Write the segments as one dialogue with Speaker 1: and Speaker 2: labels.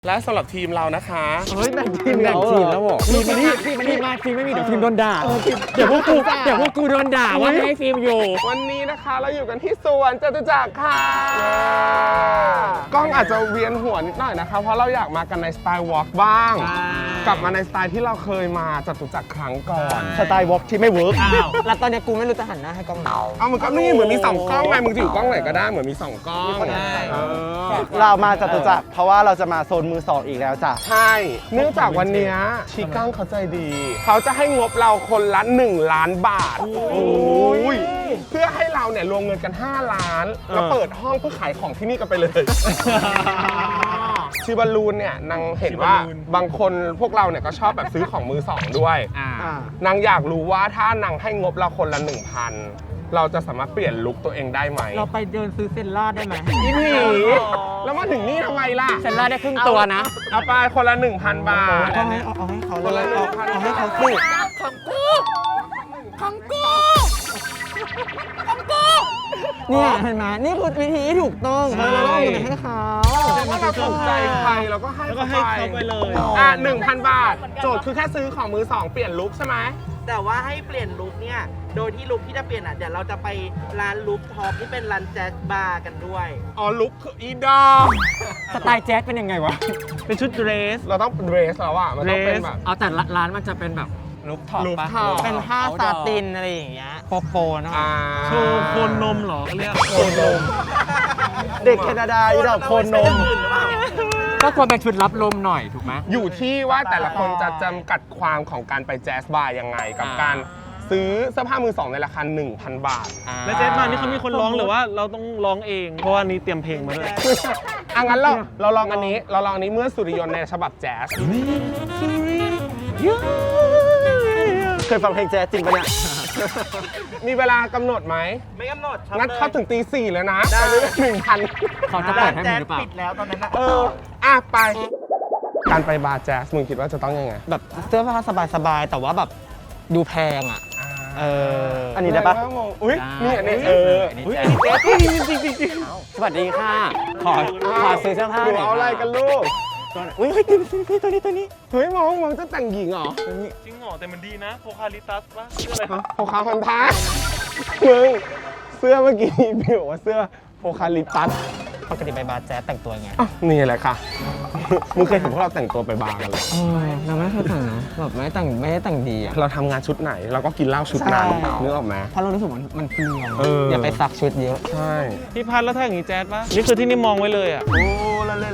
Speaker 1: และสำหรับทีมเรานะคะ
Speaker 2: เฮ้ยแบ่งทีมแล้วบอกทีมไม่มีเดี๋ยวทีมโดนด่าเดี๋ยวพวกกูโดนด่าว่าไม่ให้ทีมอยู่
Speaker 1: วันนี้นะคะเราอยู่กันที่สวนจตุจักรค่ะกล้องอาจจะเวียนหัวนิดหน่อยนะคะเพราะเราอยากมากันในสไตล์วอล์กบ้างกลับมาในสไตล์ที่เราเคยมาจตุจักรครั้งก่อน
Speaker 2: สไตล์วอล์กที่ไม่เวิร์กแล้วตอนนี้กูไม่รู้จะหันหน้าให้กล้องไหน
Speaker 1: เอามันก็นี่เหมือนมี2กล้องไงมึงจะอยู่กล้องไหนก็ได้เหมือนมี2กล้อง
Speaker 2: เรามาจตุจักรเพราะว่าเราจะมาโซนมือสองอีกแล้วจ้ะ
Speaker 1: ใช่เนื่องจากวันนี้ชีก้างเขาใจดีเขาจะให้งบเราคนละ1 ล้านบาทเพื่อให้เราเนี่ยรวมเงินกัน5 ล้านแล้วเปิดห้องเพื่อขายของที่นี่กันไปเลยชีบอลลูนเนี่ยนางเห็นว่าบางคนพวกเราเนี่ยก็ชอบแบบซื้อของมือสองด้วยนางอยากรู้ว่าถ้านางให้งบเราคนละ 1,000เราจะสามารถเปลี่ยนลุคตัวเองได้ไหม
Speaker 2: เราไปเดินซื้อเซนล่าได้ไหม
Speaker 1: อีผีแล้วมาถึงนี่ทำไมล่ะ
Speaker 2: เซนล่าได้ครึ่งตัวนะ
Speaker 1: เอาไปคนละ 1,000 บาท
Speaker 2: เอาให้เขาเลยเอาให้เขาสิของกูเนี่ยเห็นไหมนี่คือวิธีที่ถูกต้องเราต้องเอาเงินให้เขา
Speaker 1: ถ้าเราถูกใจใครเราก็ให้เขาไปเลย1,000 บาทโจทย์คือแค่ซื้อของมือสองเปลี่ยนลุคใช่ไหม
Speaker 3: แต่ว่าให้เปลี่ยนลุคเนี่ยโดยที่ลุคที่จะเปลี่ยนเดี๋ยวเราจะไปร้านลุคท็อปที่เป็นร้านแจ๊สบาร์กันด้วย
Speaker 1: อ๋อลุคคืออีดอ
Speaker 2: สไตล์แจ๊สเป็นยังไงวะเป็นชุดเดรส
Speaker 1: เราต้องเดรสแล้วอ่ะมันต้องเป็นแบบ
Speaker 2: เอาแต่ร้านมันจะเป็นแบบลุคท็อปปะเป็นผ้าซาตินอะไรอย่างเงี้ยโปเนาะ
Speaker 1: โชว์โคนนมเหรอเรียกโคนนม
Speaker 2: เด็กแคนาดาอีดอกโคนนมก็ควรเป็นชุดรับลมหน่อยถูกไหม
Speaker 1: อยู่ที่ว่าแต่ละคนจะจำกัดความของการไปแจ๊สบาร์ยังไงกับการซื้อเสื้อผ้ามือสองในราคา 1,000 บาท
Speaker 4: แล้วแจ๊สบาร์นี่เขามีคนร้องหรือว่าเราต้องร้องเองเพราะว่านี้เตรียมเพลงมาด้วย
Speaker 1: งั้นเราลองอันนี้เมื่อสุริยนต์ในฉบับแจ๊ส
Speaker 2: เคยฟังเพลงแจ๊สจริงปะเนี่ย
Speaker 1: มีเวลากำหนดไหม
Speaker 3: ไม่กำหนด
Speaker 1: งั้นเข้าถึงตี 4เลยนะไปเลย1,000
Speaker 2: เขาจะเปิดให้มึงหรือเปล่า
Speaker 3: ปิดแล้วตอนนั้นนะ
Speaker 1: ไปการไปบาร์แจ๊สมึงคิดว่าจะต้องยังไง
Speaker 2: แบบเสื้อผ้าสบายๆแต่ว่าแบบดูแพงอ่ะอันนี้ได้ปะ
Speaker 1: อุ้ยนี่อันนี้
Speaker 2: จริงสวัสดีค่ะขอซื้อเสื้อผ้าหน่อย
Speaker 1: เอาอะไรกันลูก
Speaker 2: อุ้ยตัวนี้
Speaker 1: เฮ้ยมองจะแต่งหญิงเหรอ
Speaker 4: จริงเหรอแต่มันดีนะโพคาลิตัสป่ะเสื้ออะไรครับ
Speaker 1: โพคาพันท้ามึงเสื้อเมื่อกี้พี่บอกว่าเสื้อโพคาลิตัส
Speaker 2: ปกติไปบาร์แจ๊สแต่งตัวไง
Speaker 1: นี่แหละค่ะมึงเคยเห็นพวกเราแต่งตัวไปบาร์กันหรอ
Speaker 2: เราไม่เคยแต่งนะแบบไม่ได้แต่งดีอ่ะ
Speaker 1: เราทำงานชุดไหนเราก็กินเหล้าชุดนั้นนึกออกไหม
Speaker 2: เพราะเรารู้สึกมันเปลืองอย่าไปซักชุดเยอะ
Speaker 1: ใช่
Speaker 4: พี่พัดแล้วถ้าอย่างนี้แจ๊สป่ะนี่คือที่นี่มองไว้เลยอ่ะ
Speaker 1: โอ้ละเล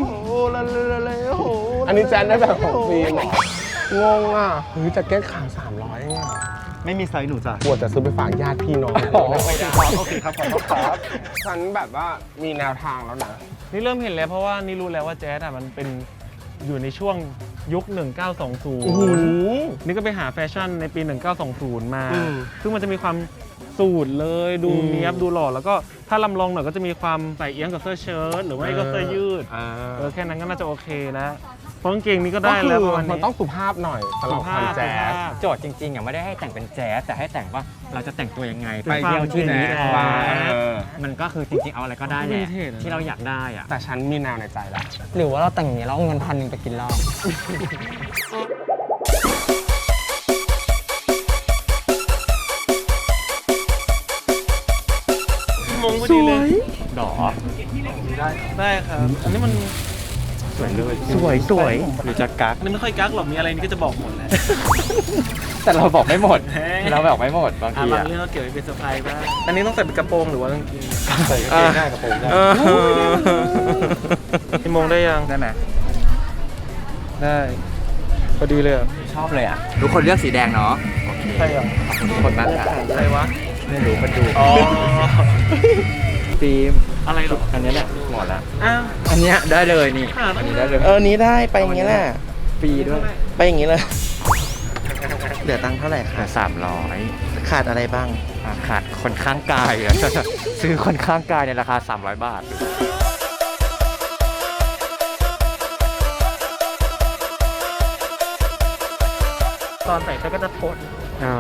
Speaker 1: อันนี้แจ๊สได้แบบของฟรีหรองงอ่ะเฮ้ยจะแก้ข่าว300เองอ่ะ
Speaker 2: ไม่มีไซส์หนูจ้ะ
Speaker 1: ปวดจะซื้อไปฝากญาติพี่น้อง
Speaker 2: ไม่ได้โอเคครับขอโทษครับ
Speaker 1: ฉันแบบว่ามีแนวทางแล้วนะ
Speaker 4: นี่เริ่มเห็นแล้วเพราะว่านี่รู้แล้วว่าแจ๊สมันเป็นอยู่ในช่วงยุค1920นี่ก็ไปหาแฟชั่นในปี1920มาซึ่งมันจะมีความสูทเลยดูเนี้ยบดูหล่อแล้วก็ถ้าลำลองหน่อยก็จะมีความใส่เอี้ยงกับเสื้อเชิ้ตหรือว่าก็เสื้อยืดแค่นั้นก็น่าจะโอเคแล้วเพราะกางเกงนี้ก็ได้แล้วประมาณนี้
Speaker 1: มันต้องสุภาพหน่อยสำหรับคอนแจ๊ส
Speaker 2: โจทย์จริงๆไม่ได้ให้แต่งเป็นแจ๊สแต่ให้แต่งว่าเราจะแต่งตัวยังไงไปเที่ยวที่นี้มันก็คือจริงๆเอาอะไรก็ได้แหละที่เราอยากได้อะ
Speaker 1: แต่ฉันมีแนวในใจแล้ว
Speaker 2: หรือว่าเราแต่งอย่างนี้แล้วเอาเงิน1,000ไปกินเหล้า
Speaker 4: มงพอดีเลย
Speaker 2: ดอ
Speaker 4: ได้ครับอันนี้มัน
Speaker 2: สวยเลยสวยหรือจะกัก
Speaker 4: นี่ไม่ค่อยกักหรอกมีอะไรนี่ก็จะบอกหมดแหละ
Speaker 2: แต่เราบอกไม่หมดเราบอกไม่หมดบางที
Speaker 4: บางเรื่องเราเก็บไว้เป็นเซอร์ไพรส์บ้างอันนี้ต้องใส่เป็นกระโปรงหรือว่ากางเกง
Speaker 2: ใส่กางเกงได้กระโปรงได้
Speaker 4: พี่มงได้ยัง
Speaker 2: ได้ไหม
Speaker 4: ได้พอดีเลย
Speaker 2: ชอบเลยอ่ะทุกคนเลือกสีแดงเนาะ
Speaker 4: ใช่หรอ
Speaker 2: คนมากค่ะ
Speaker 4: ใครวะ
Speaker 2: ไม่รู้มันดูฟิล์มอะไรหรออันนี้แหละหมดแล้วอันนี้ได้เลยนี่อันนี้ได้เลย
Speaker 3: นี้ได้ไปอย่างนี้แหละ
Speaker 2: ฟรีด้วย
Speaker 3: ไปอย่างนี้เลยเหลือตังค์เท่าไหร่คะ
Speaker 2: 300
Speaker 3: ขาดอะไรบ้าง
Speaker 2: ขาดคนข้างกายซื้อคนข้างกายในราคา300 บาท
Speaker 3: ตอนใส่ก็จะทน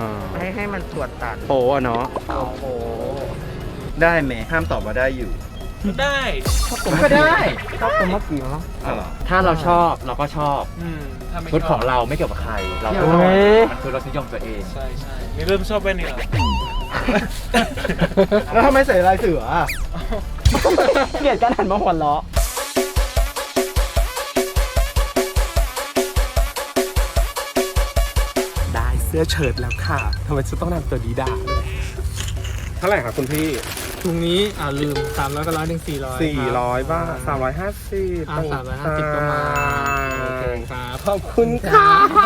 Speaker 3: ให้มันตรวจตัด
Speaker 2: โป๊ะเนาะ
Speaker 3: โป๊ได้ไหมห้ามตอบว่าได้อยู่
Speaker 4: ได้
Speaker 2: ก็ได้
Speaker 5: ชอบตัวเมื่อกี้มั้ง
Speaker 2: ถ้าเราชอบเราก็ชอบ
Speaker 4: ถ้าไม่
Speaker 2: ชุด
Speaker 4: ช
Speaker 2: ข
Speaker 4: อ
Speaker 2: อบ งเราไม่เกี่ยวกับใคร เราก็
Speaker 5: โอ้ย
Speaker 2: มันคือรสนิยมตัวเอง
Speaker 4: ใช่นี่เริ่มชอบแว่นนี่เหรอ
Speaker 5: แล้วทำไมใส่ลายเสืออะเกลียดการหันมาหัวเราะ
Speaker 1: ได้เสื้อเชิ้ตแล้วค่ะทำไมฉันต้องนำตัวดีดาเลยเท่าไหร่คะคุณพี่
Speaker 4: ถุงนี้ลืม300ก็100
Speaker 1: 400 บาท 350
Speaker 4: 350ก็มาโอเคครับ
Speaker 1: ขอบคุณค่ะ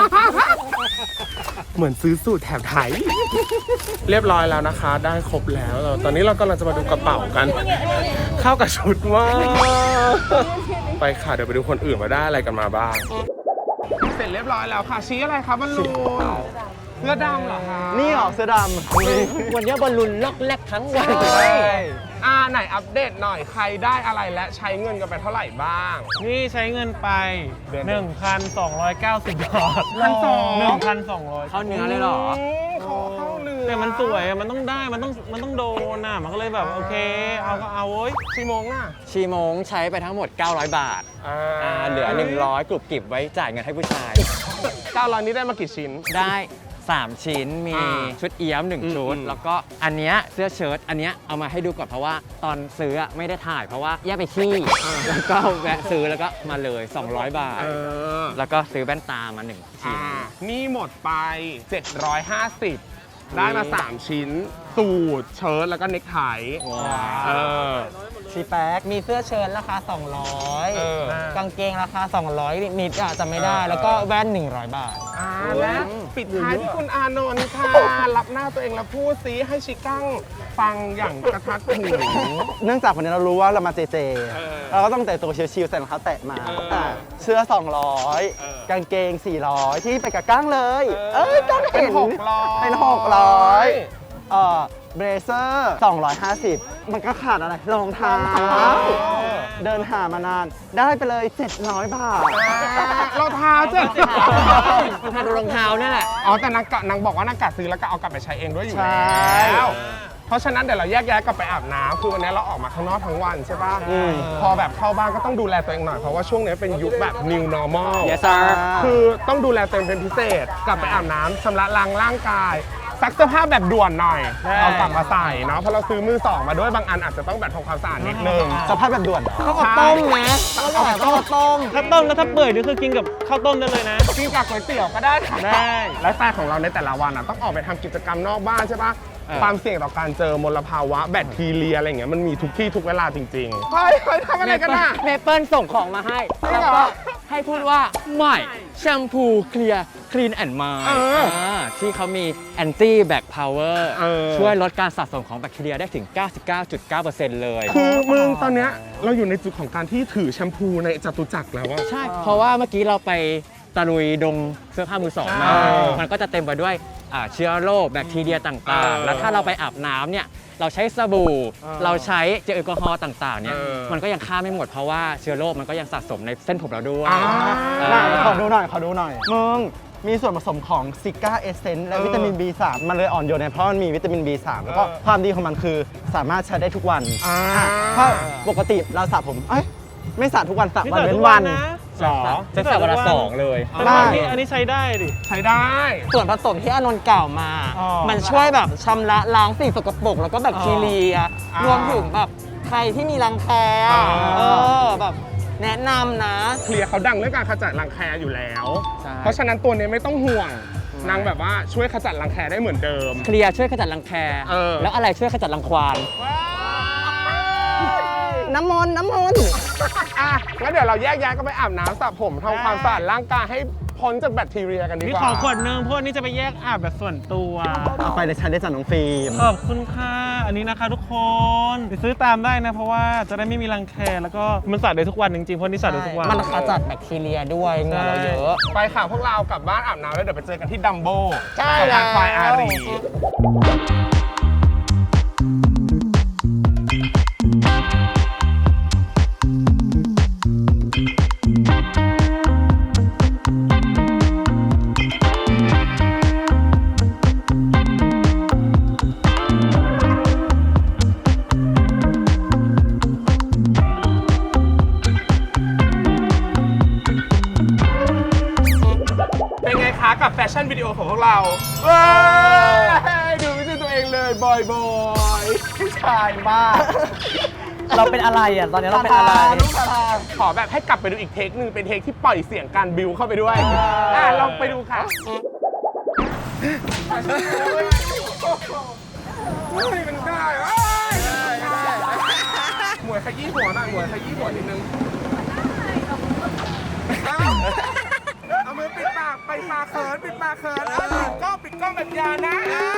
Speaker 1: เหมือนซื้อสูตรแถบไทย เรียบร้อยแล้วนะคะ ได้ครบแล้ว ตอนนี้เรากำลังจะมาดูกระเป๋ากัน เข้ากับชุดมากไปค่ะ เดี๋ยวไปดูคนอื่นมาได้อะไรกันมาบ้าง เสร็จเรียบร้อยแล้วค่ะ ชี้อะไรครับบอลลูนเสื้อดำเหรอคะ
Speaker 5: นี่ออกเสื้อด
Speaker 2: วันนี้บอลลูนล็อกแรกทั้งวัน
Speaker 1: ไหนอัปเดตหน่อยใครได้อะไรและใช้เงินกันไปเท่าไหร่บ้าง
Speaker 4: นี่ใช้เงินไป 1,290 บาท 1,200
Speaker 2: เข้าเนื้อเลยเหรอ
Speaker 1: เข้าเนื้อ
Speaker 4: แต่มันสวยอะมันต้องได้มันต้องโดนน่ะมันก็เลยแบบโอเคเอาก็เอาเว้ย
Speaker 1: 4 โมงอ่ะ
Speaker 2: ชีโมงใช้ไปทั้งหมด 900 บาทเหลือ 100กรุบกริบไว้จ่ายเงินให้ผู้ชาย
Speaker 1: 900นี้ได้มากี่ชิ้น
Speaker 2: ได้ 3 ชิ้นมีชุดเอี้ยม 1 ชุด แล้วก็อันเนี้ยเสื้อเชิ้ตอันเนี้ยเอามาให้ดูก่อนเพราะว่าตอนซื้อไม่ได้ถ่ายเพราะว่าแยกไปขี้แล้วก็แวะซื้อแล้วก็มาเลย 200 บาท แล้วก็ซื้อแว่นตามา 1 ชิ้น
Speaker 1: นี่หมดไป 750 ได้มา 3 ชิ้น สูทเชิ้ตแล้วก็เนคไท
Speaker 2: ว้าว
Speaker 1: เออ
Speaker 5: ำชีแป๊กมีเสื้อเชิ้ตราคา 200 กางเกงราคา 200 นิดๆจะไม่ได้ แล้วก็แว่น 100 บาท
Speaker 1: และปิดท้ายที่คุณอานนท์ค่ะ รับหน้าตัวเองแล้วพูดซิให้ชิกั้งฟังอย่างกระทัดหู
Speaker 5: เนื่องจากวันนี้เรารู้ว่าเรามาเจเจ
Speaker 1: เออ
Speaker 5: เราก็ต้องแต่งตัวชิวๆใส่รองเท้าแตะมา เสื้อ 200 กางเกง 400 ที่ไปกับก้างเลยก้าง
Speaker 1: เป็
Speaker 5: เห็
Speaker 1: น
Speaker 5: น
Speaker 1: 600
Speaker 5: เป็น 600เบรเซอร์ 250 มันก็ขาดอะไรรองเท้า เดินหามานาน ได้ไปเลย 700 บาท
Speaker 1: เราเท้าเจ็บ
Speaker 2: มันทาดูรองเท้าเนี่ยแหละ
Speaker 1: อ๋อแต่นางบอกว่านางกะซื้อแล้วก็เอากลับไปใช้เองด้วยอยู่
Speaker 5: ใช่
Speaker 1: แล้ว เพราะฉะนั้นเดี๋ยวเราแยกย้ายกลับไปอาบน้ำคือวันนี้เราออกมาข้างนอกทั้งวันใช่ป่ะ พอแบบเข้าบ้านก็ต้องดูแลตัวเองหน่อยเพราะว่าช่วงนี้เป็นยุคแบบ new normal
Speaker 2: Yes sir
Speaker 1: คือต้องดูแลตัวเองเป็นพิเศษ กลับไปอาบน้ำชำระล้างร่างกายซักเสื้อผ้าแบบด่วนหน่อยเอากลับมาใส่เนาะเพราะเราซื้อมือสองมาด้วยบางอันอาจจะต้องแบบทำความสะอาดนิดนึง
Speaker 5: สภาพแบบด่วนเหรอ
Speaker 2: ข้าวต้มนะ
Speaker 5: ข้าวต้ม
Speaker 4: ถ้าต้มแล้วถ้าเปื่อยนี่คือกินกับข้าวต้มได้เลยนะ
Speaker 1: กินกับก๋วยเตี๋ยวก็ได้ค่ะ
Speaker 4: ได้
Speaker 1: ไลฟ์สไตล์ของเราในแต่ละวันอ่ะต้องออกไปทำกิจกรรมนอกบ้านใช่ปะความเสี่ยงต่อการเจอมลภาวะแบคทีเรียอะไรอย่างเงี้ยมันมีทุกที่ทุกเวลาจริงๆเฮ้ยทำอะไรกันน่ะ
Speaker 2: เมเปิลส่งของมาให้
Speaker 1: จริง
Speaker 2: แล้ว
Speaker 1: เหรอ
Speaker 2: ก็ให้พูดว่าใหม่แชมพูเคลียร์คลีนแอนด์มาย ที่เขามีแอนตี้แบคพาวเวอร์ช่วยลดการสะสมของแบคทีเรียได้ถึง 99.9% เลย
Speaker 1: คือมึงตอนเนี้ยเราอยู่ในจุดของการที่ถือแชมพูในจตุจักรแล้วอะ
Speaker 2: ใช่ เพราะว่าเมื่อกี้เราไปตะลุยดงเสื้อผ้ามือสองมา มันก็จะเต็มไปด้วยเชื้อโรคแบคทีเรียต่างๆ แล้วถ้าเราไปอาบน้ำเนี่ยเราใช้สบู่เราใช้เจลแอลกอฮอล์ต่างๆเนี่ยมันก็ยังฆ่าไม่หมดเพราะว่าเชื้อโรคมันก็ยังสะสมในเส้นผมเราด้วย
Speaker 5: ขอดูหน่อยมึงมีส่วนผสมของซิก้าเอเซนต์และวิตามิน B3 มันเลยอ่อนโยนเนี่ยเพราะมันมีวิตามิน B3 แล้วก็ความดีของมันคือสามารถใช้ได้ทุกวันเพราะปกติเราสระผมไม่สระทุกวันสระวันเว้นวัน
Speaker 1: หรอ
Speaker 2: จะสระวันละ2เลย
Speaker 4: แต่ว่าอันนี้ใช้ได้ดิ
Speaker 1: ใช้ได้
Speaker 5: ส่วนผสมที่อานนท์กล่าวมา มันช่วยแบบชำระล้างสิ่งสกปรกแล้วก็แบคทีเรีย รวมถึงแบบใครที่มีรังแคแบบแนะนำนะ
Speaker 1: เคลียร์เขาดังเรื่องการขจัดรังแคอยู่แล้ว
Speaker 2: ใช่
Speaker 1: เพราะฉะนั้นตัวนี้ไม่ต้องห่วงนางแบบว่าช่วยขจัดรังแคได้เหมือนเดิม
Speaker 2: เคลียร์ช่วยขจัดรังแค แล้วอะไรช่วยขจัดรังควาน
Speaker 5: น้ำมนต์
Speaker 1: อ่ะงั้นเดี๋ยวเราแยกย้ายก็ไปอาบน้ำสระผมทำความสะอาดร่างกายให้พ้นจากแบคทีเรียกันดี
Speaker 4: นี่
Speaker 1: กว่า
Speaker 4: ขอขวดนึงเพราะว่านี่จะไปแยกอาบแบบส่วนตัว
Speaker 5: เอาไปเลยฉันได้จากน้องฟิล์ม
Speaker 4: ขอบคุณค่ะ อันนี้นะคะทุกคนไปซื้อตามได้นะ เพราะว่าจะได้ไม่มีรังแคแล้วก็มันสระได้ทุกวันจริงๆ เพราะนี่สระได้ทุกวัน
Speaker 5: มันขจัดแบคทีเรียด้วยเหงื่อเราเยอะ
Speaker 1: ไปค่ะพวกเรากลับบ้านอาบน้ำแล้วเดี๋ยวไปเจอกันที่ดัมโบ
Speaker 5: ใช่
Speaker 1: สะพานควายอารีกับแฟชั่นวิดีโอของพวกเราเว้ยดูไม่ใช่ตัวเองเลยบอยผู้ชายมาก
Speaker 6: เราเป็นอะไรอ่ะ ตอนนี้เราเป็นอะไร
Speaker 1: ขอแบบให้กลับไปดูอีกเทคหนึ่งเป็นเทคที่ปล่อยเสียงการบิวเข้าไปด้วยลองไปดูค่ะเฮ้ยมันได้หมวยขยี้หัวหน่อยหมวยขยี้หัวนิดนึงเอามือปิดปากไปปากเขินปิดปากเขินปิดกล้องแบบยานะ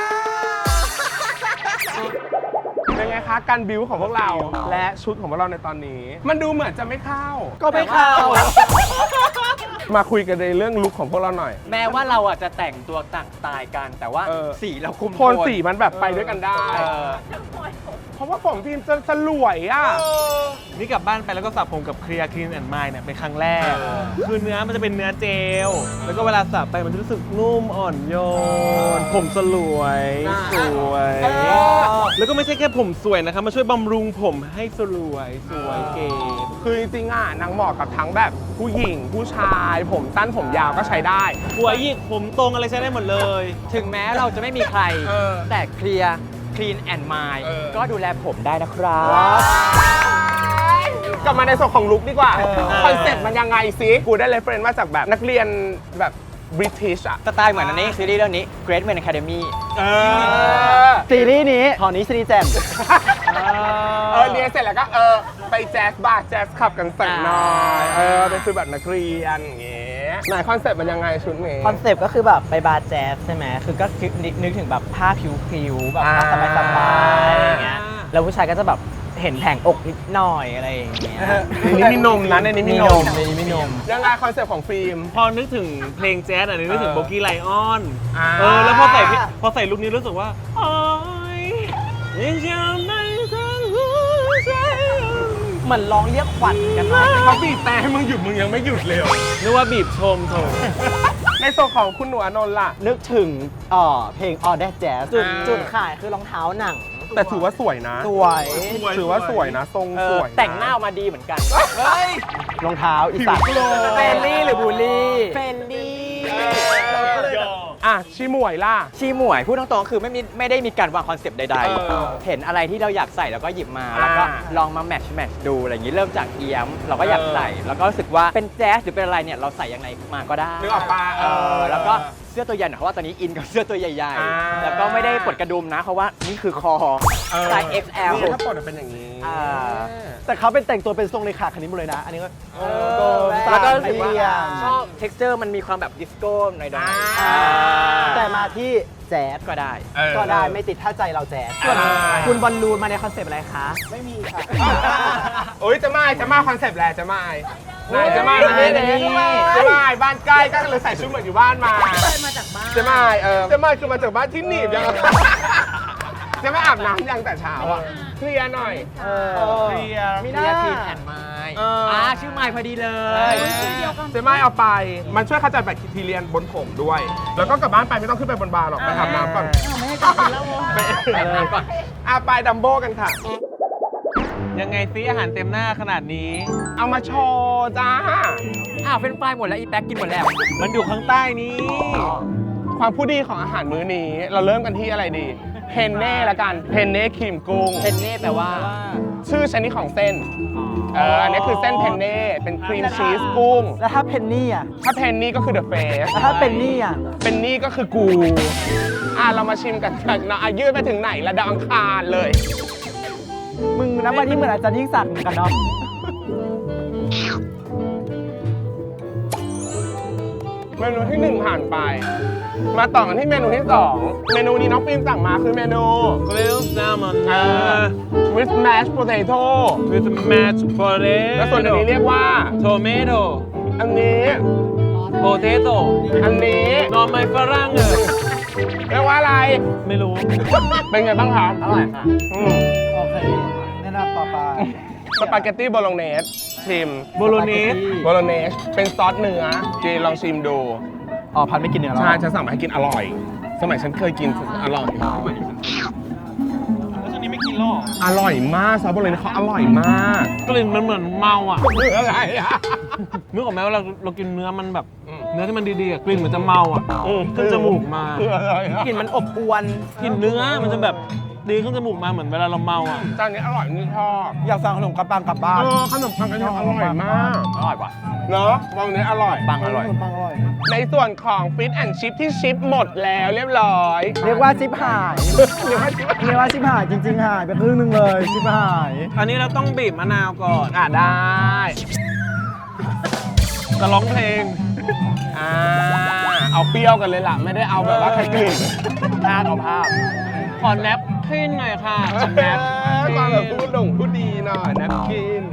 Speaker 1: เป็นไงคะการบิวของพวกเราและชุดของพวกเราในตอนนี้ มันดูเหมือนจะไม่เข้า
Speaker 6: ก็ไม่เข้า
Speaker 1: มาคุยกันในเรื่องลุคของพวกเราหน่อย
Speaker 2: แม้ว่าเราอ่ะจะแต่งตัวต่างสไตล์กัน แต่ว่า สีเราคุม
Speaker 1: โทนสีมันแบบไปด้วยกันได้ เพราะว่าผมทีมจะสลวยอ่ะ
Speaker 4: นี่กลับบ้านไปแล้วก็สระผมกับเคลียร์คลีนแอนด์มายเนี่ยเป็นครั้งแรก คือเนื้อมันจะเป็นเนื้อเจล แล้วก็เวลาสระไปมันจะรู้สึกนุ่มอ่อนโยน ผมสลวยสวย แล้วก็ไม่ใช่แค่ผมสวยนะครับมาช่วยบำรุงผมให้สวยเก๋
Speaker 1: คือจริงๆอ่ะนางเหมาะกับทั้งแบบผู้หญิงผู้ชาย ผมสั้นผมยาวก็ใช้ได้
Speaker 4: หัวหยิกผมตรงอะไรใช้ได้หมดเลย
Speaker 2: ถึงแม้เราจะไม่มีใคร แต่เคลียร์คลีนแอนด์มายก็ดูแลผมได้นะครับ
Speaker 1: กลับมาในส่วนของลุคดีกว่า คอนเซ็ปต์มันยังไงซิกูได้เรฟเฟรนซ์มาจากแบบนักเรียนแบบบริติชอ่ะ
Speaker 2: สไตล์เหมือนอันนี้ซีรีส์เรื่องนี้ Great Men Academy
Speaker 5: ซีรีส์นี้ขอนี้ซีรีส์แจม
Speaker 1: เรียนเสร็จแล้วก็ไปแจ๊สบาร์แจ๊สขับกันสักหน่อยเป็นคือแบบนักเรียนอย่างเงี้ยไหนคอนเซ็ปต์มันยังไงชุดนี้
Speaker 6: คอนเซปต์ก็คือแบบไปบาร์แจ๊สใช่ไหม คือก็นึกถึงแบบผ้าผิวๆแบบผ้าสบายๆอย่างเงี้ย แล้วผู้ชายก็จะแบบเห็นแผงอกนิดหน่อยอะไรอย่างเงี้ย
Speaker 1: ในนี้มีนมนะในนี้มีนม
Speaker 6: ในนี้มีนม
Speaker 1: ยังไงคอนเซ็ปต์ของฟิล์ม
Speaker 4: พอนึกถึงเพลงแจ๊สอ่ะนึกถึงโบกี้ไลออน
Speaker 1: อ่า
Speaker 4: แล้วพอใส่ลุคนี้รู้สึกว่าโอ้ยยังจะไม่ทันรู้ใจ
Speaker 6: เหมือนร้องเรียกขวัญกันมา
Speaker 1: เขาบีบแต่ให้มึงหยุดมึงยังไม่หยุดเลย
Speaker 4: นึกว่าบีบชมโถ
Speaker 1: ในส่วนของคุณหนูอานนท์ล่ะ
Speaker 5: นึกถึงเพลง All That Jazz
Speaker 6: จุดขายคือรองเท้าหนัง
Speaker 1: แต่ถือว่าสวยนะ
Speaker 6: สวย
Speaker 1: ถือว่าสวยนะทรงสวยนะ
Speaker 2: แต่งหน้าออกมาดีเหมือนกัน
Speaker 5: รองเท้าอีสาน
Speaker 6: เฟรนลี่หรือบูลลี่เฟรนลี่
Speaker 1: อ่ะชิหมวยล่ะ
Speaker 2: ชีหมวยพูดตรงๆคือไม่ได้มีการวางคอนเซปต์ใด เห็นอะไรที่เราอยากใส่เราก็หยิบมา แล้วก็ลองมาแมทช์ดูอะไรอย่างนี้เริ่มจากเอี๊ยมเราก็อยากใส่ แล้วก็รู้สึกว่าเป็นแจ๊สหรือเป็นอะไรเนี่ยเราใส่ยังไงมาก็ได้
Speaker 1: นึกออกปะ
Speaker 2: แล้วก็เสื้อตัวใหญ่หน่อยเพราะว่าตอนนี้อินกับเสื้อตัวใหญ่
Speaker 1: อ่า
Speaker 2: ๆ แล้วก็ไม่ได้ปลดกระดุมนะเพราะว่านี่คือคอไซส์ XL
Speaker 1: นี่ถ้าปลดเป็นอย่างนี้
Speaker 5: แต่เขาเป็นแต่งตัวเป็นทรงเลขาคณิตหมดเลยนะ อันนี้ก็
Speaker 2: แล้วก็รู้สึกว่า
Speaker 5: เรียน
Speaker 2: ชอบ texture มันมีความแบบดิสโก้หน่อย
Speaker 5: แต่มาที่แจ๊ส
Speaker 2: ๆก็ได้
Speaker 5: ก็ได้ไม่ติดถ้าใจเราแจ๊ส
Speaker 6: ส่วนคุณบอลลูนมาในคอนเซปต์อะไรคะ
Speaker 5: ไม่มีค่ะ
Speaker 1: โอ้ยจะมาคอนเซปต์แหละจะมาไหนจะมา
Speaker 6: เฮ้ย
Speaker 1: จะมาบ้านใกล้ก็เลยใส่ชุดเหมือนอยู่บ้านมาจะมาจะมาคือมาจากบ้านที่หนีบยังจะมาอาบน้ำยังแต่เช้าอ่ะเคลียร์หน่อย
Speaker 4: เคลียร์
Speaker 5: มี
Speaker 2: เรียกทีมแอนไม้ชื่อไม้พอดีเลย
Speaker 1: เจไม่เอาไป มันช่วยขจัดแบคทีเรียบนผมด้วย แล้วก็กลับบ้านไปไม่ต้องขึ้นไปบนบาร์หรอก ไปอาบน้ำก่อน ไปอาบน้ำก่อนไปดัมโบกันค่ะ
Speaker 4: ยังไงซิอาหารเต็มหน้าขนาดนี้
Speaker 1: เอามาโชว์จ้า
Speaker 2: อ้าวเป็นไฟหมดแล้วอีแป๊กกินหมดแล้ว
Speaker 4: มันอยู่ข้างใต้นี้
Speaker 1: ความผู้ดีของอาหารมื้อนี้ เราเริ่มกันที่อะไรดี เพนเน่ละกัน เพนเน่ครีมกุ้ง
Speaker 2: เพนเน่แปลว่า
Speaker 1: ชื่อชนิดของเส้น อันนี้คือเส้นเพนเน่ เป็นครีมชีสกุ้ง
Speaker 5: แล้วถ้าเพนนี่อ่ะ
Speaker 1: ถ้าเพนนี่ก็คือเดอะเฟส
Speaker 5: แล้วถ้าเป็นนี่อ่ะ
Speaker 1: เป็นนี่ก็คือกู เรามาชิมกันเนาะยืดไปถึงไหนละดาวอังคารเลย
Speaker 5: มึงนะวันนี้เหมือนอาจารย์ยิ่งศักดิ์เหมือนกันเนาะ
Speaker 1: เมนูที่ 1 ผ่านไป มาต่อกันที่เมนูที่ 2 เมนูนี้น้องฟิล์มสั่งมาคือเมนู
Speaker 4: grilled salmon
Speaker 1: with mashed potato
Speaker 4: with mashed potato
Speaker 1: แล้วส่วนอันนี้เรียกว่า
Speaker 4: tomato
Speaker 1: อันนี้
Speaker 4: potato
Speaker 1: อันนี้
Speaker 4: หน่อไม้ฝรั่ง
Speaker 1: เรียกว่าอะไร
Speaker 4: ไม่รู้
Speaker 1: เป็นไงบ้างครับ
Speaker 2: อร่อยค่ะ
Speaker 5: โอเคแนะนำต่อไป
Speaker 1: สปาเกตตี้โบโลเนสชิม
Speaker 4: โบโลเนส
Speaker 1: โบโลเนสเป็นซอสเนื้อจีลองชิมดู
Speaker 5: อ๋อพันไม่กินเนื้อแล้ว
Speaker 1: ใช่ฉันสั่งมาให้กินอร่อย สมัยฉันเคยกินอร่อย
Speaker 4: แล้วช่วงนี้ไม่กินหรอก
Speaker 1: อร่อยมากซอสโบโลเนสเขาอร่อยมาก
Speaker 4: กลิ่นมันเหมือนเมาอ่ะ
Speaker 1: เนื้ออะไรอ่ะ
Speaker 4: นึกออกไหมว่าเรากินเนื้อมันแบบเนื้อที่มันดีๆอะกลิ่นเหมือนจะเมาอ่ะขึ้นจมูกมา
Speaker 1: คืออะไรอะ
Speaker 6: กลิ่นมันอบอวน
Speaker 4: กลิ่นเนื้อมันจะแบบดีขึ้นจมูกมาเหมือนเวลาเราเมาอ่ะ
Speaker 1: จานนี้อร่อยนี่ชอบ
Speaker 5: อยากสั่งขนมปังกลับบ้าน
Speaker 1: ขนมปังกันยังอร่อยมาก
Speaker 2: อร่อยกว่า
Speaker 1: เนาะวงนี้อร่อย
Speaker 2: ปังอร่อย
Speaker 5: ขนมปังอร่อย
Speaker 1: ในส่วนของฟิตแอนชิพที่ชิปหมดแล้วเรียบร้อย
Speaker 5: เรียกว่าชิปหาย
Speaker 1: เรียกว่าชิป
Speaker 5: เรียกว่าชิปหายจริงๆหายไปครึ่งหนึงเลยชิปหาย
Speaker 4: อันนี้เราต้องบีบมะนาวก่อน
Speaker 1: ได้
Speaker 4: จะร้องเพลง
Speaker 1: เอาเปรี้ยวกันเลยล่ะ ไม่ได้เอาแบบว่าใครกลิ่นภาพเอาภาพ
Speaker 4: ขอแนปขึ้นหน่อยค่ะขอแนป
Speaker 1: ความแบบพูดดีหน่อยนะกิน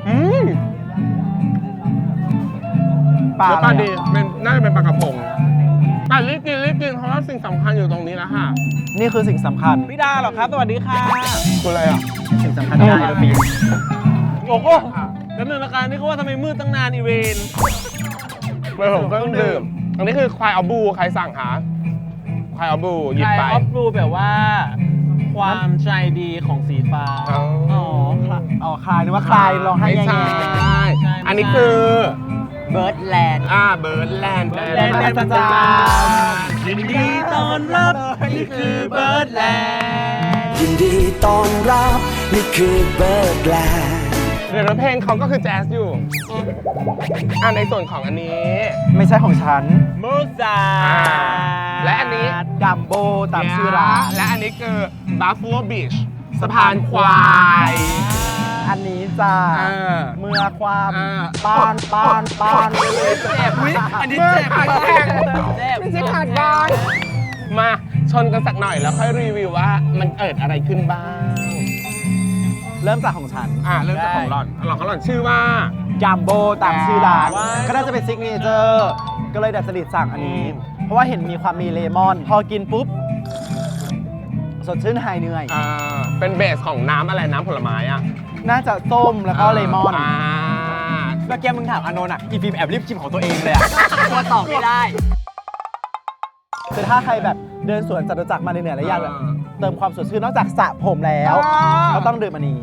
Speaker 5: ปลา
Speaker 1: แล้วปลา
Speaker 5: อะไร
Speaker 1: ดี
Speaker 5: อะ
Speaker 1: เป็นน่าจะเป็นปลากระพงแต่รีบกินเพราะว่าสิ่งสำคัญอยู่ตรงนี้แล้วค่ะ
Speaker 5: นี่คือสิ่งสำคัญ
Speaker 4: พี่ดาเหรอครับ สวัสดีค่ะ
Speaker 1: คืออะไรอ่ะ
Speaker 5: สิ่งสำคัญที่ได้เราปีน
Speaker 4: โอ้โหแล้วหนึ่งละกันนี่เขาว่าทำไมมืดตั้งนานอีเวน
Speaker 1: ไม่ผมเครื่องดื่มอันนี้คือควายเอาบูใครสั่งคะควายเอาบูหยิบ
Speaker 4: ไทย
Speaker 1: ไป
Speaker 4: ออฟบลูแบบว่า ความใจดีของสีฟ้า
Speaker 1: อ๋อ
Speaker 5: อ๋อคลายนึกว่าคลายร้องไห้
Speaker 1: ไม่
Speaker 5: แง่
Speaker 1: ใช่อันนี้คือ
Speaker 6: เบิร์ดแลนด์
Speaker 1: เบิร์ดแลนด์
Speaker 4: แลนด์แลนด์ประจายินดีต้อนรับนี่คือเบิร์ดแลนด์
Speaker 7: ยินดีต้อนรับนี่คือเบิร์ดแลนด์
Speaker 1: เดี๋ยวเพลงเขาก็คือแจ๊สอยู่ในส่วนของอันนี้
Speaker 5: ๆไม่ใช่ของฉัน
Speaker 4: มูซา
Speaker 1: และอันนี้
Speaker 5: ดัมโบตามชื่อร้าน
Speaker 1: และอันนี้คือ Buffalo Beach สะพานควาย
Speaker 5: อันนี้จ้า
Speaker 1: เออ
Speaker 5: เมื่อความ
Speaker 1: อ่า
Speaker 5: ปาน
Speaker 1: เจ็บอันนี้เจ็บขาดแข็งไม่ใช่ขาดบางมาชนกันสักหน่อยแล้วค่อยรีวิวว่ามันเกิดอะไรขึ้นบ้าง
Speaker 5: เริ่มจากของฉัน
Speaker 1: เริ่มจากของหล่อนของหล่อนชื่อว่า
Speaker 5: จัมโบตามชื่อร้าน
Speaker 1: ว้าว
Speaker 5: ก็น่าจะเป็นซิกเนเจอร์ก็เลยดัดจริตสั่งอันนี้ เพราะว่าเห็นมีความมีเลมอน พอกินปุ๊บ สดชื่นหายเหนื่อย
Speaker 1: เป็นเบสของน้ำอะไรน้ำผลไม้อ่ะ
Speaker 5: น่าจะส้มแล้วก็เลมอน
Speaker 6: เมื่อกี้มึงถามอานนท์อ่ะ อีฟิล์มแอบรีบชิมของตัวเองเลยอ่ะกลัวตอบไม่ได้
Speaker 5: คือถ้าใครแบบเดินสวนจตุจักรมาเหนื่อยๆแล้วอยากแบบเติมความสดชื่นนอกจากสระผมแล้วก็ต้องดื่มอันนี้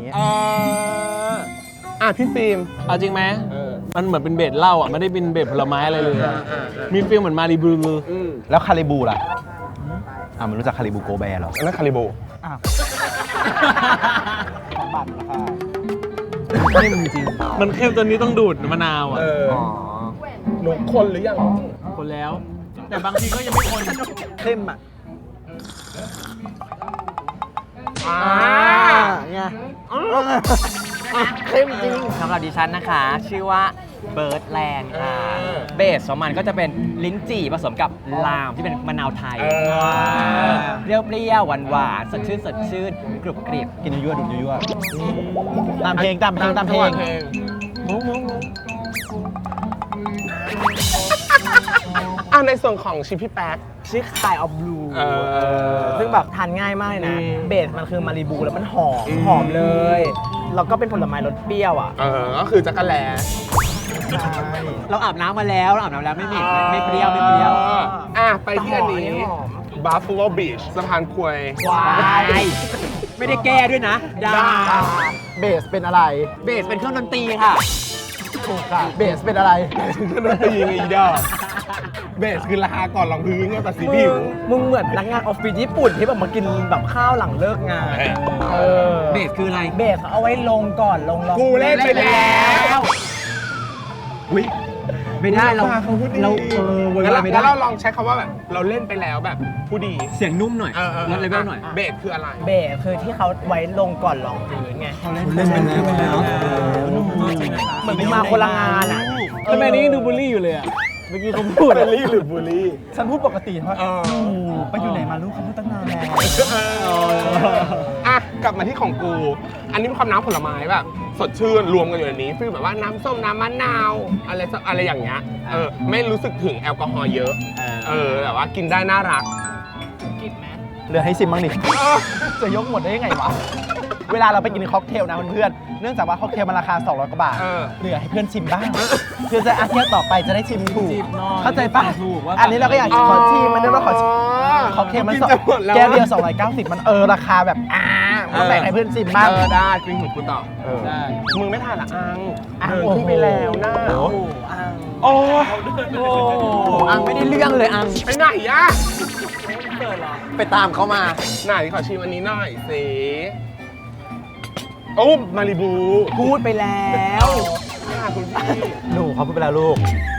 Speaker 1: พี่ฟิล์ม
Speaker 4: เอาจริงไหมมันเหมือนเป็นเบสเหล้าอ่ะไม่ได้เป็นเบสผลไม้อะไรเลยอะมีฟีลเหมือนมารีบลู
Speaker 5: แล้วคาริบูล่ะมันรู้จักคาริบูโกแบร์เหรอ
Speaker 1: อันนั้นคาริโบ
Speaker 5: บัตรนะคะ
Speaker 4: เข้มจริงมันเข้มจนนี้ต้องดูดมะนาวอ่ะ
Speaker 1: หนูคนหรือยัง
Speaker 4: คนแล้ว แต่บางทีก็ยังไม่คน
Speaker 5: เข้มอ่ะไงเข้มจริง
Speaker 6: สำหรับดิฉันนะคะ ชื่อว่าเบิร์ดแลนด์ค่ะเบสของมันก็จะเป็นลิ้นจี่ผสมกับลามที่เป็นมะนาวไทยเปรี้ยวๆหวานๆสดชื่นกรุบกริบ
Speaker 5: กินยั่วๆดูดยั่วๆตามเพลง
Speaker 1: ในส่วนของชิปพี่แป๊ก
Speaker 6: ชื่อคายออฟบลู ซึ่งแบบทานง่ายมากเลยนะ เบสมันคือมารีบูแล้วมันหอมเลย แล้วก็เป็นผลไม้รสเปรี้ยวอ่ะ
Speaker 1: ก็คือจักรแล
Speaker 6: เราอาบน้ำมาแล้วไม่เหม็นไม่เปรี้ยว
Speaker 1: ไปที่อันนี้ Buffalo Beach สะพานควาย
Speaker 6: ว้ายไม่ได้แก้ด้วยนะดา
Speaker 5: เบสเป็นอะไร
Speaker 6: เบสเป็นเครื่องดนตรีค่ะ
Speaker 5: ถูกค่ะเบสเป็นอะไร
Speaker 1: ก็ดนตรีไงอีดอกเบสคือราคาก่อนรองพื้นไงแต่สีผิว
Speaker 6: มึงเหมือนพนักงานออฟฟิศญี่ปุ่นที่แบบมากินแบบข้าวหลังเลิกงาน
Speaker 2: เบสคืออะไร
Speaker 6: เบสเขาเอาไว้ลงก่อนลง
Speaker 1: กูเล่นไปแล้ว
Speaker 6: ไม่ได้เรา
Speaker 1: เวลาไม่ได้เราลองใช้คำว่าแบบเราเล่นไปแล้วแบบผู้ดี
Speaker 2: เสียงนุ่มหน่อยลดเลเวลหน่อย
Speaker 1: เบสคืออะไร
Speaker 6: เบสคือที่เขาไว้ลงก่อนรองพื้นไง
Speaker 5: เล่นไปแล้ว
Speaker 6: เหมือนมาคนละงานอ่ะ
Speaker 4: ทำไมนี้ดูบูลลี่อยู่เลยอ่ะ เมื่อกี้เขาพูด
Speaker 1: เบลลี่หรือบูลลี่
Speaker 5: ฉันพูดปกติว่าไปอยู่ไหนมาลูกเขาพูดตั้งนานแล้ว
Speaker 1: กลับมาที่ของกู อันนี้เป็นความน้ำผลไม้แบบสดชื่นรวมกันอยู่ในนี้ฟีลแบบว่าน้ำส้มน้ำมะนาวอะไรอย่างเงี้ยไม่รู้สึกถึงแอลกอฮอล์เยอะแบบว่ากินได้น่ารัก
Speaker 5: เหลือให้ซิมบ้างดิจะยกหมดได้ยังไงวะ เวลาเราไปกินค็อกเทลนะเพื่อนๆเนื่องจากว่าค็อกเทลมันราคา200กว่าบาทเหลือให้เพื่อนชิมบ้างเพื่อจะเที่ยวต่อไปจะได้ชิมถูกเข้าใจปะอันนี้เราก็อยากขอชิมมันได้ว่าขอชิมค็อกเทลมันแก้วเดียว290มันราคาแบบก็แบ่งให้เพื่อนชิมบ้าง
Speaker 1: ได้จริงของกูต่อ
Speaker 4: ได้
Speaker 1: มึงไม่ทานละอัง
Speaker 5: อัง
Speaker 1: เดินขึ้นไปแล้วนะ
Speaker 6: โอ้โหอัง
Speaker 1: โอ้
Speaker 6: โอ้อังไม่ได้เรื่องเลยอัง
Speaker 1: ไปไหนอะ
Speaker 6: ไปตามเขามา
Speaker 1: ไหนขอชิมอันนี้หน่อยสิโอ้มาริบู
Speaker 6: พูดไปแล้ว
Speaker 1: ค่ะคุณพี่
Speaker 5: หนูเขาพูดไปแล้วลูก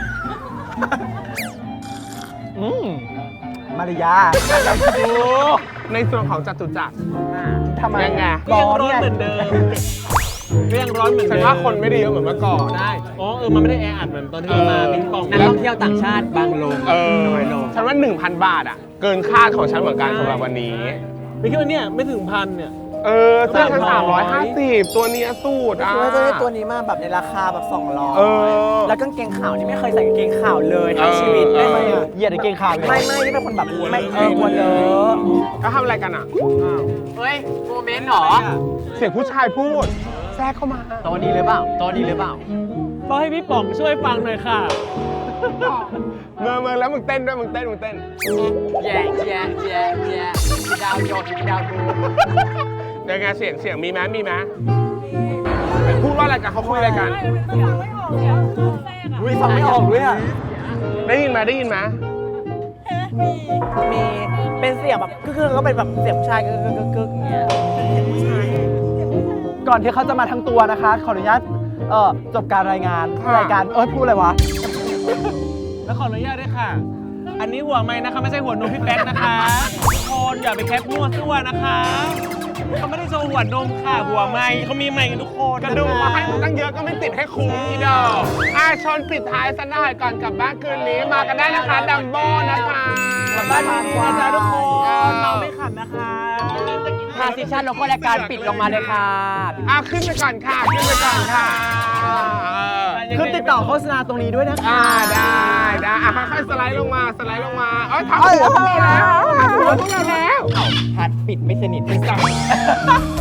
Speaker 5: มาริยา
Speaker 1: ในส่วนของจตุจักร
Speaker 5: ทำไม
Speaker 1: ยังไง
Speaker 4: ก็ยังร้อนเหมือนเดิมก็ยังร้อนเหมือน
Speaker 1: ฉั
Speaker 4: เดิ
Speaker 1: น
Speaker 4: ม
Speaker 1: ว่าคนไม่ได้เยอะเหมือนเมื่อก่อน
Speaker 4: ได้อ๋อมันไม่ได้แออัดเหมือนตอนที่เรามาปิงปอง
Speaker 2: นักท่องเที่ยวต่างชาติบางลง
Speaker 1: น้อยลงฉันว่า 1,000 บาทอ่ะ เกินคาดของฉันเหมือนกันสำหรับวันนี้
Speaker 4: ไม่คิดว่าเนี่ยไม่ถึงพันเนี่ย
Speaker 1: เสื้อฉัน350 ตัวเนี้ยสูตรอ่ะ
Speaker 5: ว่าจะได้ตัวนี้มาแบบในราคาแบบ
Speaker 1: เออ
Speaker 5: 200 แล้วกางเกงขาวนี่ไม่เคยใส่กางเกงขาวเลยทั้งชีวิตได้ไหมอ่ะเหยียดกางเกงขาวไม่นี่เป็นคนแบบไม่กลัวเลอะ
Speaker 1: ก็ทำอะไรกันอ่ะ
Speaker 2: เฮ้ย โมเมนต์เหรอ
Speaker 1: เสียงผู้ชายพูด แทรกเข้ามา
Speaker 2: โตะนี้หรือเปล่าโตะนี้หรือเปล่า
Speaker 4: ต้องให้พี่ป๋องช่วยฟังหน่อยค่ะ
Speaker 1: เมื่อแล้วมึงเต้นด้วยมึงเต้น
Speaker 2: แย่แย่แย่แย่ดาวโยนดาวดู
Speaker 1: ยังไงเสียงมีไหมพูดว่าอะไรกันเขาคุยอะไรกัน
Speaker 5: อุ้ยฟังไม่ออกด้วยอ่ะ
Speaker 1: ได้ยินไหม
Speaker 5: มีเป็นเสียงแบบคือก็เป็นแบบเสียงผู้ชายกึกอย่างเงี้ยก่อนที่เขาจะมาทั้งตัวนะคะ ขออนุญาตจบการรายงาน
Speaker 1: ค่ะ
Speaker 5: รายการพูดอะไรวะ
Speaker 4: แล้วขออนุญาตด้วยค่ะ อันนี้หัวไม้นะคะไม่ใช่หัวนมพี่แป๊กนะคะทุกคนอย่าไปแคปมั่วซั่วนะคะเขาไม่ได้โชว์หัวนมค่ะหัวไม้เขามีไม้กันทุกคน
Speaker 1: กระดูกมาให้มึงตั้งเยอะก็ไม่ติดให้คุ้มอีดอกชนปิดท้ายสักหน่อยก่อนกลับบ้านคืนนี้มากันได้นะคะดัมโบ้นะคะกลับบ้านดีๆนะทุกคน
Speaker 4: เมาไม่ขับนะคะ
Speaker 2: ทาซิชั่นโลโก้รายการปิดลงมาเลยค่ะ
Speaker 1: ขึ้นไปก่อนค่ะ
Speaker 5: คือติดต่อโฆษณาตรงนี้ด้วยนะคะ
Speaker 1: ได้ค่อยๆสไลด์ลงมาทับหัวพวกเราแล้ว
Speaker 2: พัดปิดไม่สนิท